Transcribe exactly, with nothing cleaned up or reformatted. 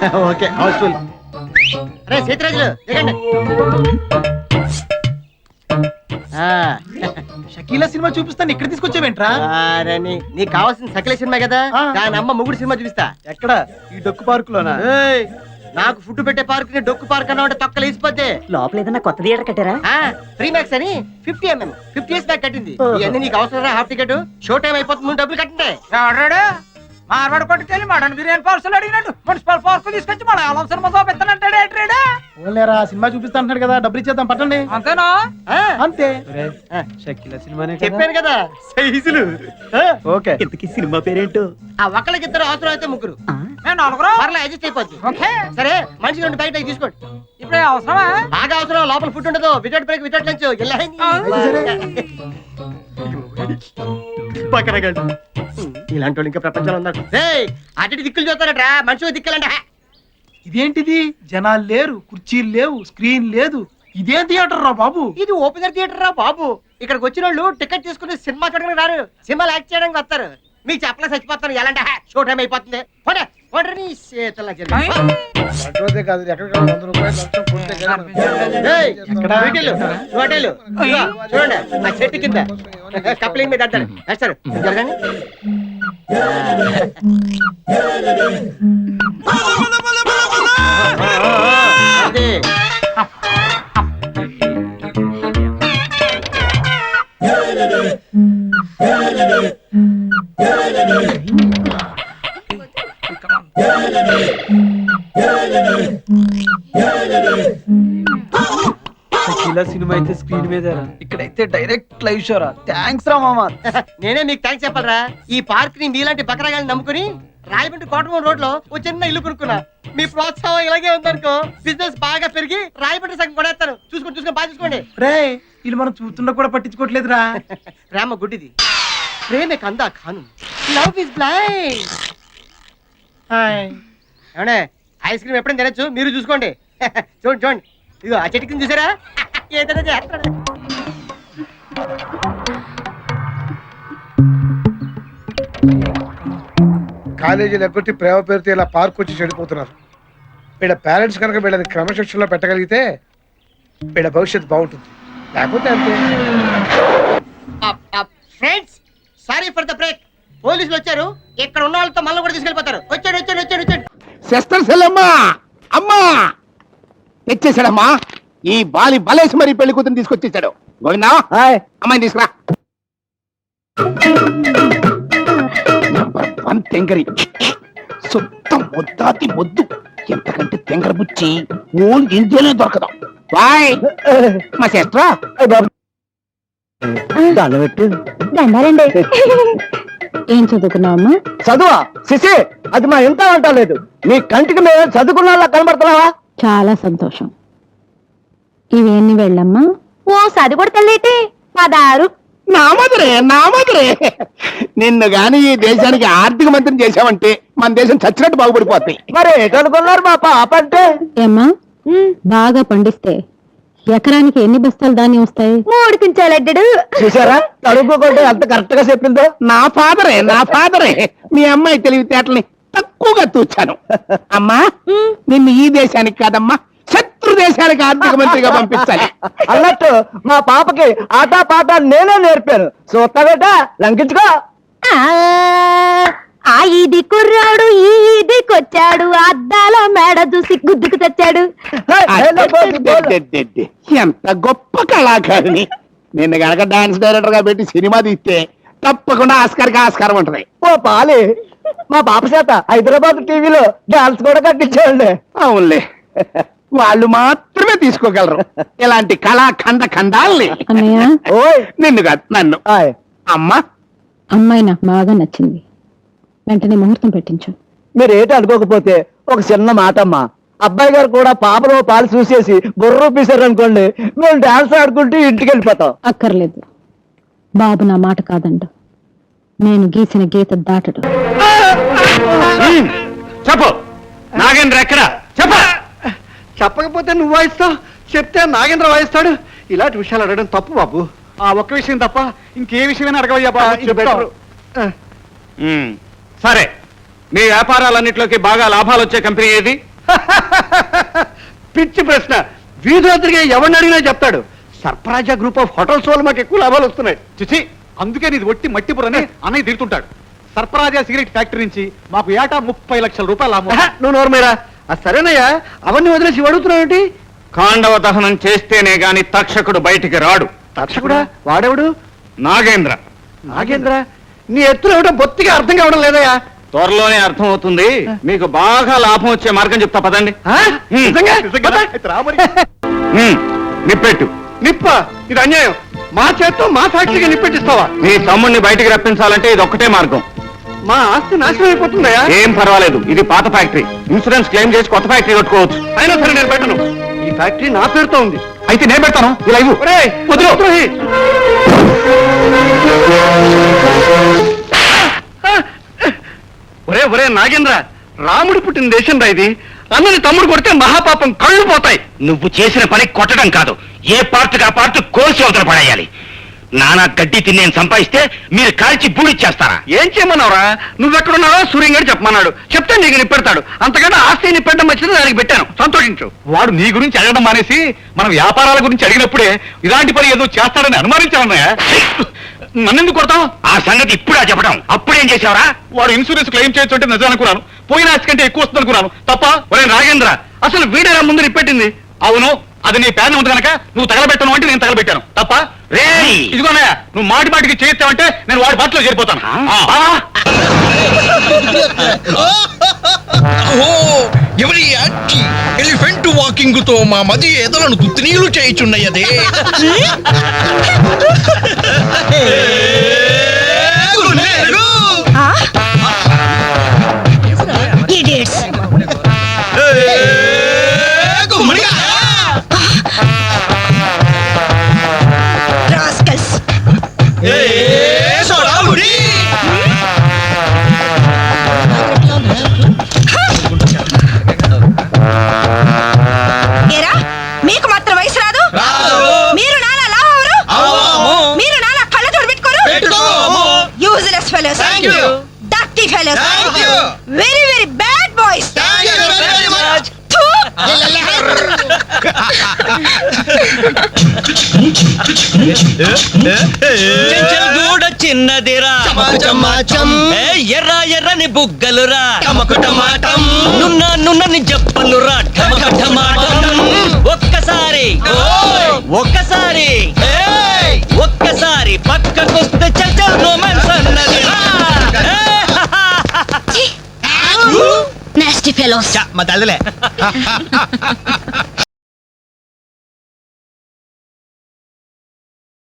Okay Housefull. అరే సీతరాజులు దిగండి. Shakeela cinema చూపిస్తాను ఇక్కడ తీసుకొచ్చావేంట్రా? అరని నీకు కావాల్సిన సకల సినిమా కదా, దాని అమ్మ ముగుడు సినిమా చూపిస్తా. ఎక్కడ? ఈ డొక్కు పార్క్ లోనా? నాకు ఫుడ్ పెట్టే పార్క్ ని డొక్కు పార్క్ అన్నా ఉంటే తొక్కలు వేసిపోతే. లోపల ఏదన్నా కొత్త థియేటర్ కట్టారా? ఫ్రీ మ్యాక్స్ అని ఫిఫ్టీ ఎంఎం ఫిఫ్టీ ఇయర్స్ దాకా కట్టింది. ఇవన్నీ నీకు అవసరం. హాఫ్ టికెట్ షో టైం అయిపోతుంది, నువ్వు డబ్బులు కట్టండి. మార్వాడు కొట్టుకెళ్ళి మటన్ బిర్యానీ పార్సల్ అడిగినట్టు మున్సిపల్ పార్క్ తీసుకొచ్చి మన ఆలం సినిమా చూపిస్తానంటాడే ట్రేడా. ఓన్లేరా సినిమా చూపిస్తా అంటున్నాడు కదా, డబ్బులు ఇచ్చేద్దాం పట్టండి. అంతేనా? అంతే. షకీలా సినిమానే చెప్పాను కదా సైజులు. ఓకే. ఇంతకీ సినిమా పేరేంటో? ఆ ఒక్కళ్ళకి ఇద్దరు, అవసరం అయితే ముగ్గురు. మేము నలుగురు పర్లే అడ్జస్ట్ అయిపోద్ది. సరే మనిషి రెండు బయట తీసుకోండి. ఇప్పుడు అవసరమా? బాగా అవసరం. లోపల ఫుడ్ ఉండదు. Without break without lunch. ఇలాంటి వాళ్ళు ఇంకా ప్రపంచంలో ఉన్నారు. అటు దిక్కులు చూస్తారట్రా, మనుషులు దిక్కులంట. ఇదేంటిది? జనాలు లేరు, కుర్చీలు లేవు, స్క్రీన్ లేదు. ఇదేం థియేటర్ రా బాబు? ఇది ఓపెనర్ థియేటర్ రా బాబు. ఇక్కడికి వచ్చిన వాళ్ళు టికెట్ తీసుకుని సినిమా చూడడానికి రారు, సినిమాలు యాక్ట్ చేయడానికి వస్తారు. మీకు చెప్పలే చచ్చిపోతాను. ఎలాంటి షో టైం అయిపోతుంది. చూడండి ఆ చెట్టు కింద కప్లింగ్ మీద అంటారు వేస్తారు. జరగండి. అదే షకీలా సినిమా అయితే స్క్రీన్ మీద, ఇక్కడైతే డైరెక్ట్ లైవ్ షోరా. థ్యాంక్స్ రా మామా. నేనే మీకు థ్యాంక్స్ చెప్పాలరా. ఈ పార్క్ ని మీలాంటి బకరాగాన్ని నమ్ముకుని రాయమండ్రి కోటమూరు రోడ్ లో ఓ చిన్న ఇల్లు కొనుక్కున్నా. మీ ప్రోత్సాహం ఇలాగే ఉందనుకో, బిజినెస్ బాగా పెరిగి రాయమండ్రి సగం కొనేస్తాను. చూసుకోండి చూసుకొని బాగా చూసుకోండి. రే వీళ్ళు మనం చూస్తున్నా కూడా పట్టించుకోవట్లేదురా. ప్రేమ గుడ్డిది, ప్రేమే కందా ఖాను, లవ్ ఇస్ బ్లైండ్. ఏమండే ఐస్ క్రీమ్ ఎప్పుడైనా తినచ్చు, మీరు చూసుకోండి. చూడండి చూడండి, ఇదిగో ఆ చెట్టు కింద చూసారా, ఏదైనా చేస్తాడు. కాలేజీలు ఎగ్గొట్టి ప్రేమ పేరుతో ఇలా పార్క్ వచ్చి చెడిపోతున్నారు. వీళ్ళ పేరెంట్స్ కనుక వీళ్ళని క్రమశిక్షణలో పెట్టగలిగితే వీళ్ళ భవిష్యత్తు బాగుంటుంది. లేకపోతే అంతే. Friends sorry for the break. పోలీసులు వచ్చారు, ఇక్కడ ఉన్న వాళ్ళతో మళ్ళీ కూడా తీసుకెళ్ళిపోతారు. వచ్చాడు వచ్చాడు వచ్చాడు వచ్చాడు సిస్టర్ సెల్లమ్మా, అమ్మా తెచ్చేసాడమ్మా. ఈ బాలి బలేసి మరి పెళ్లి కూతురు తీసుకొచ్చేసాడు. గోవిందా అమ్మాయిని తీసుకురా. నంబర్ వన్ తెంగరి, సొంత ముద్దాతి ముద్దు. ఎంతకంటే తెంగర బుచ్చి ఓన్ ఇండియాలో దొరకదు. బాయ్ మా సిస్టరా. పెట్టు దండాలండి. ఏం చదువుకున్నావమ్మా? చదువా శిశి, అది మా ఇంత అంటలేదు. నీ కంటికి మేము చదువుకున్నా కనబడుతున్నావా? చాలా సంతోషం. ఇవేన్ని వెళ్ళమ్మా. ఓ సది కూడా తెల్లేటి పదారు. నా మధురే నా మధురే, నిన్ను గాని ఈ దేశానికి ఆర్థిక మంత్రిని చేశావంటే మన దేశం చచ్చినట్టు బాగుపడిపోతాయి. మరి ఏటనుకున్నారు మా పాప అంటే? ఏమ్మా బాగా పండిస్తే ఎకరానికి ఎన్ని బస్తాలు ధాన్యం వస్తాయి? మూడు కించాలడ్డాడు. చూసారా తడుపుకుంటే అంత కరెక్ట్ గా చెప్పిందో. నా ఫాదరే నా ఫాదరే మీ అమ్మాయి తెలివితేటల్ని తక్కువగా తూచాను. అమ్మా నిన్ను ఈ దేశానికి కాదమ్మా శత్రు దేశానికి ఆర్థిక మంత్రిగా పంపించాలి. అన్నట్టు మా పాపకి ఆటా పాట నేనే నేర్పాను. చూస్తావేట లంకించుకో. ఆ ఇది కుర్రాడు ఈ ఇదికొచ్చాడు, అద్దాల మేడ చూసి గుద్దుకు తెచ్చాడు. ఎంత గొప్ప కళాకారిని. నిన్న గనక డాన్స్ డైరెక్టర్ గా పెట్టి సినిమా తీస్తే తప్పకుండా ఆస్కార్కి ఆస్కారం ఉంటది. ఓ పాలి, మా పాప చేత హైదరాబాద్ టీవీలో డాన్స్ కూడా కట్టించాండి. అవునులే, వాళ్ళు మాత్రమే తీసుకోగలరు ఇలాంటి కళా ఖండ ఖండాల్ని. ఓయ్ నిన్ను కాదు నన్ను. అమ్మా అమ్మాయి నాకు బాగా నచ్చింది, వెంటనే ముహూర్తం పెట్టించు. మీరు ఏంటి అనుకోకపోతే ఒక చిన్న మాట అమ్మా. అబ్బాయి గారు కూడా పాపలో పాలు చూసేసి బుర్ర పీసారు అనుకోండి, మేము డాన్స్ ఆడుకుంటూ ఇంటికి వెళ్ళిపోతాం. అక్కర్లేదు, బాబు నా మాట కాదండు. నేను గీసిన గీత దాటడు. చెప్పు నాగేంద్ర ఎక్కడ? చెప్ప. చెప్పకపోతే నువ్వు వాయిస్తావు, చెప్తే నాగేంద్ర వాయిస్తాడు. ఇలాంటి విషయాలు అడగడం తప్పు బాబు. ఆ ఒక్క విషయం తప్ప ఇంకే విషయమైనా అడగవయ్యా బాబు. సరే, మీ వ్యాపారాలన్నింటిలోకి బాగా లాభాలు వచ్చే కంపెనీ ఏది? పిచ్చి ప్రశ్న. వీధిలో తిరిగే ఎవరిని అడిగినా చెప్తాడు. సర్పరాజా గ్రూప్ ఆఫ్ హోటల్స్ వాళ్ళు మాకు ఎక్కువ లాభాలు వస్తున్నాయి. చిచి, అందుకే నీది ఒట్టి మట్టి బుర్రని అన్నయ్య తిరుగుతుంటాడు. సర్పరాజా సిగరెట్ ఫ్యాక్టరీ నుంచి మాకు ఏటా ముప్పై లక్షల రూపాయలు లాభం. ఆహా, నువ్వు నోర్మేరా. సరేనయ్యా, అవన్నీ వదిలేసి అడుగుతున్నావు. కాండవ దహనం చేస్తేనే గాని తక్షకుడు బయటికి రాడు. తక్షకుడా? వాడెవడు? నాగేంద్ర. నాగేంద్ర? నీ ఎత్తులు ఏమిటో బొత్తిగా అర్థం కావడం లేదయ్యా. త్వరలోనే అర్థం అవుతుంది. మీకు బాగా లాభం వచ్చే మార్గం చెప్తా పదండి. ఆ? నిజంగా? పద. హ్మ్, నిప్పెట్టు. నిప్ప? ఇది అన్యాయం. మా చేత్తో మా ఫ్యాక్టరీకి నిప్పెట్టిస్తావా? మీ తమ్ముడిని బయటికి రప్పించాలంటే ఇది ఒక్కటే మార్గం. మా ఆస్తి నాశనం అయిపోతుందయ్యా. ఏం పర్వాలేదు, ఇది పాత ఫ్యాక్టరీ. ఇన్సూరెన్స్ క్లెయిమ్ చేసి కొత్త ఫ్యాక్టరీ కట్టుకోవచ్చు. అయినా సరే నేను పెట్టను. ఈ ఫ్యాక్టరీ నా పేరుతో ఉంది. అయితే నేను పెడతాను. ఇలా ఇవ్వు. ఒరేయ్, వదిలు. ద్రోహి. ఒరే ఒరే నాగేంద్ర, రాముడు పుట్టిన దేశం రా ఇది. అన్నని తమ్ముడు కొడితే మహాపాపం, కళ్ళు పోతాయి. నువ్వు చేసిన పని కొట్టడం కాదు, ఏ పార్ట్కి ఆ పార్ట్ కోసి అవతల పడేయాలి. నానా గడ్డి తిని నేను సంపాదిస్తే మీరు కాల్చి బూడిచ్చేస్తారా? ఏం చేయమన్నావురా? నువ్వెక్కడున్నావో సూర్యంగాడు చెప్పమన్నాడు. చెప్తే నీకు నిప్పెడతాడు. అంతకంటే ఆస్తి నిప్పెట్టడం వచ్చింది, దానికి పెట్టాను. సంతోషించు. వాడు నీ గురించి అడగడం మానేసి మనం వ్యాపారాల గురించి అడిగినప్పుడే ఇలాంటి పని ఏదో చేస్తాడని అనుమానించాలన్నయ్య. నన్నెందుకు కొడతావు? ఆ సంగతి ఇప్పుడా చెప్పడం? అప్పుడేం చేసావరా? వాడు ఇన్సూరెన్స్ క్లెయిమ్ చేయొచ్చు అంటే నిజం అనుకున్నాను. పోయిన ఆస్తి కంటే ఎక్కువ వస్తుంది అనుకున్నాను. తప్ప. ఒరే నాగేంద్ర, అసలు వీడేరా ముందు నిప్పెట్టింది? అవును, అది నీ ప్యాన్ ఉంది కనుక నువ్వు తగలబెట్టను అంటే నేను తగలబెట్టాను. తప్ప. రేయ్! ఇదిగోనయ్య, నువ్వు మాటి మాటికి చేస్తావంటే నేను వాడి బాటలో చేరిపోతాను. ఆ. ఎవరి యాక్టి ఎలిఫెంట్ వాకింగ్ తో మా మది ఎదలను తుత్తినీలు చేయుచున్నయదే. మీకు మాత్రం వయసు రాదు? మీరు నాలా లావరు? మీరు నాలా కళ్ళ తోడు పెట్టుకోరు? Useless fellows, dirty fellows, very very bad boys. దూడ చిన్నదిరా, ఎర్ర ఎర్రని బుగ్గలురా, నున్న నున్నని జప్పలురా, ఒక్కసారి ఒక్కసారి ఒక్కసారి పక్కకొస్తే చల్ చల్ రొమాన్స్ అన్నదిరా. Nasty fellows. మా తల్లిలే.